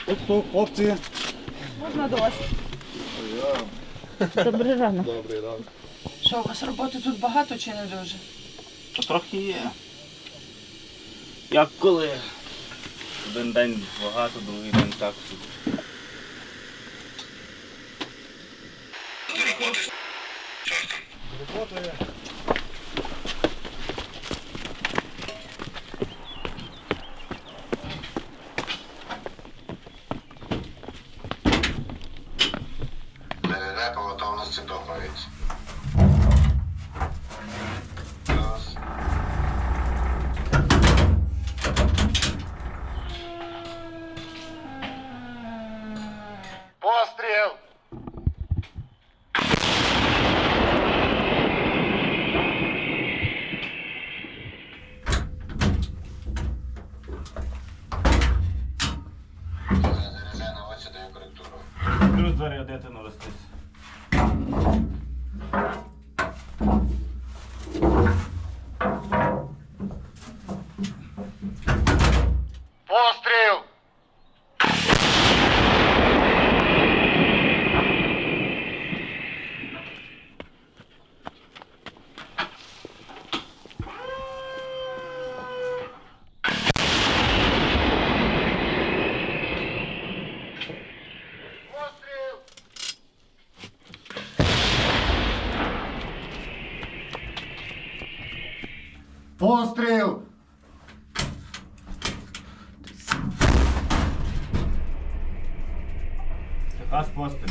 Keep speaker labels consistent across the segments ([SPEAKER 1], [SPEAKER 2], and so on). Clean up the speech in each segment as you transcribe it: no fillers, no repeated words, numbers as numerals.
[SPEAKER 1] Тобто, хлопці.
[SPEAKER 2] Можна до вас? Добрий ранок.
[SPEAKER 1] Добрий ранок.
[SPEAKER 2] Що, у вас роботи тут багато чи не дуже?
[SPEAKER 3] То трохи є. Як коли? Один день багато, другий день так собі.
[SPEAKER 1] Роботи.
[SPEAKER 4] ДДД по готовності доповідь. Плюс. Постріл! Заряджай на очі, даю коректуру.
[SPEAKER 3] Плюс зарядити навестись.
[SPEAKER 4] Постріл! Постріл! Постріл!
[SPEAKER 3] Така з постелю.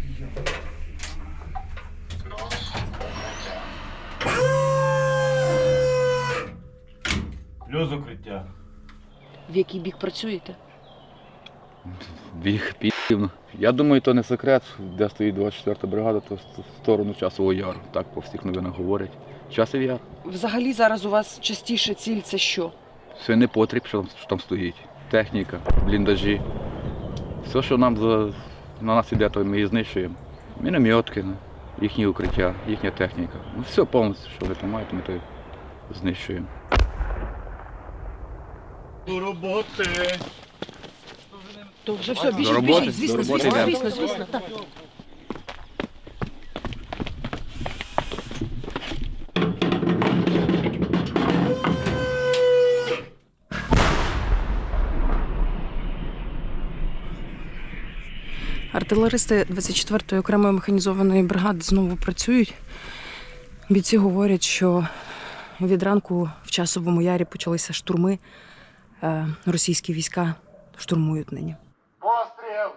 [SPEAKER 3] Плюс укриття.
[SPEAKER 2] В який бік працюєте?
[SPEAKER 5] Біг пів. Я думаю, то не секрет, де стоїть 24-та бригада, то в сторону Часового Яру. Так по всіх новинах говорять. Часів Яр.
[SPEAKER 2] Взагалі зараз у вас частіше ціль це що?
[SPEAKER 5] Все не потріб, що там стоїть. Техніка, бліндажі. Все, що на нас іде, то ми і знищуємо. Мінометки, їхні укриття, їхня техніка. Ну, все повністю, що ви там маєте, ми то знищуємо.
[SPEAKER 3] До роботи.
[SPEAKER 2] То вже все,
[SPEAKER 5] До
[SPEAKER 2] біжіть,
[SPEAKER 5] роботи,
[SPEAKER 2] біжіть, звісно,
[SPEAKER 5] до роботи
[SPEAKER 2] звісно,
[SPEAKER 5] йдемо.
[SPEAKER 2] звісно, звісно, так. Артилеристи 24-ї окремої механізованої бригади знову працюють. Бійці говорять, що від ранку в Часовому Ярі почалися штурми. Російські війська штурмують нині.
[SPEAKER 4] Постріл!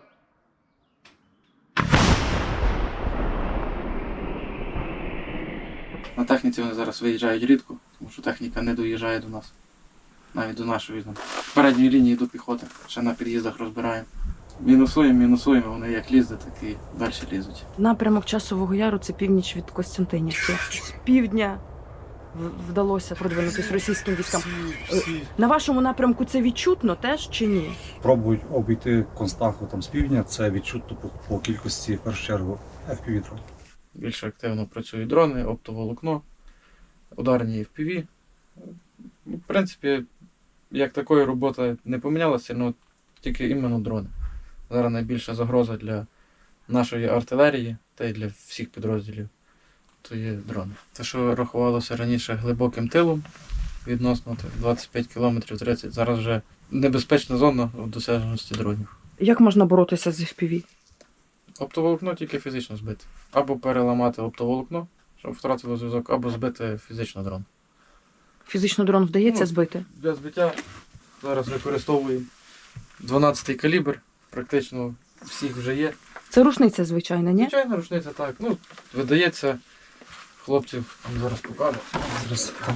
[SPEAKER 6] На техніці вони зараз виїжджають рідко, тому що техніка не доїжджає до нас. Навіть до нашої передньої лінії до піхоти. Ще на під'їздах розбираємо. Мінусуємо, вони як лізли, так і далі лізуть.
[SPEAKER 2] Напрямок Часового Яру – це північ від Костянтинівки. З півдня вдалося продвинутися російським військам. На вашому напрямку це відчутно теж чи ні?
[SPEAKER 1] Пробують обійти Констаху там з півдня, це відчутно по кількості, в першу чергу, FPV-дрон.
[SPEAKER 6] Більш активно працюють дрони, оптоволокно, ударні FPV. В принципі, як такої роботи не помінялася, але тільки іменно дрони. Зараз найбільша загроза для нашої артилерії та й для всіх підрозділів то є дрони. Те, що рахувалося раніше глибоким тилом, відносно 25 км 30, зараз вже небезпечна зона в досяжності дронів.
[SPEAKER 2] Як можна боротися з FPV?
[SPEAKER 6] Оптоволокно тільки фізично збити. Або переламати оптоволокно, щоб втратило зв'язок, або збити фізично дрон.
[SPEAKER 2] Фізично дрон вдається
[SPEAKER 6] Ну,
[SPEAKER 2] збити?
[SPEAKER 6] Для збиття зараз використовуємо 12-й калібр, практично всіх вже є.
[SPEAKER 2] Це рушниця, звичайно, ні?
[SPEAKER 6] Звичайно, рушниця так. Ну, видається, хлопців вам зараз покажу. Зараз так.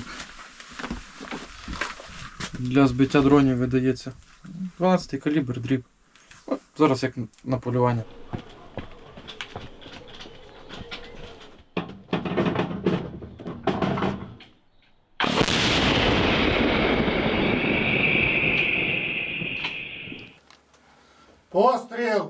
[SPEAKER 6] Для збиття дронів видається 12-й калібр, дріб. От, зараз як на полювання.
[SPEAKER 4] Постріл!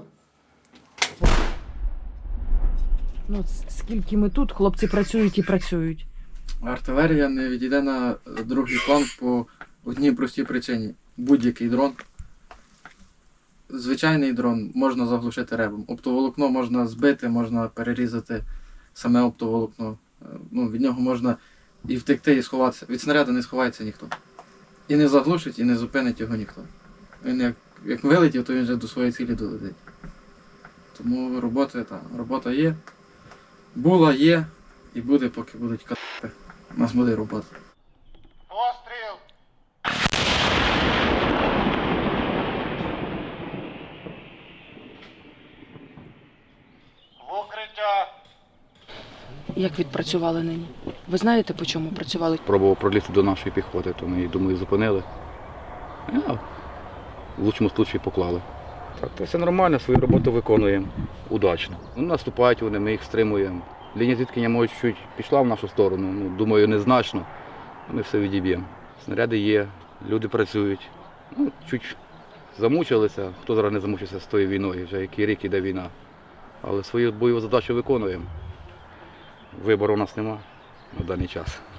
[SPEAKER 2] Ну, скільки ми тут, хлопці працюють і працюють.
[SPEAKER 6] Артилерія не відійде на другий план по одній простій причині. Будь-який дрон звичайний дрон можна заглушити ребом. Оптоволокно можна збити, можна перерізати саме оптоволокно. Ну, від нього можна і втекти, і сховатися. Від снаряду не сховається ніхто. І не заглушить, і не зупинить його ніхто. Він як вилетів, то він вже до своєї цілі долетить. Тому робота є. Була, є і буде, поки будуть катати. У нас буде робота.
[SPEAKER 4] Постріл! В укриття!
[SPEAKER 2] Як відпрацювали нині? Ви знаєте, по чому працювали?
[SPEAKER 5] Пробував пролізти до нашої піхоти, то ми її, думаю, зупинили. В лучшому випадку поклали. Так, то все нормально, свою роботу виконуємо удачно. Ну, наступають вони, ми їх стримуємо. Лінія зіткнення, може, чуть пішла в нашу сторону, ну, думаю, незначно. Ми все відіб'ємо. Снаряди є, люди працюють. Ну, чуть замучилися, хто зараз не замучився з тою війною, вже який рік іде війна. Але свою бойову задачу виконуємо. Вибору у нас немає на даний час.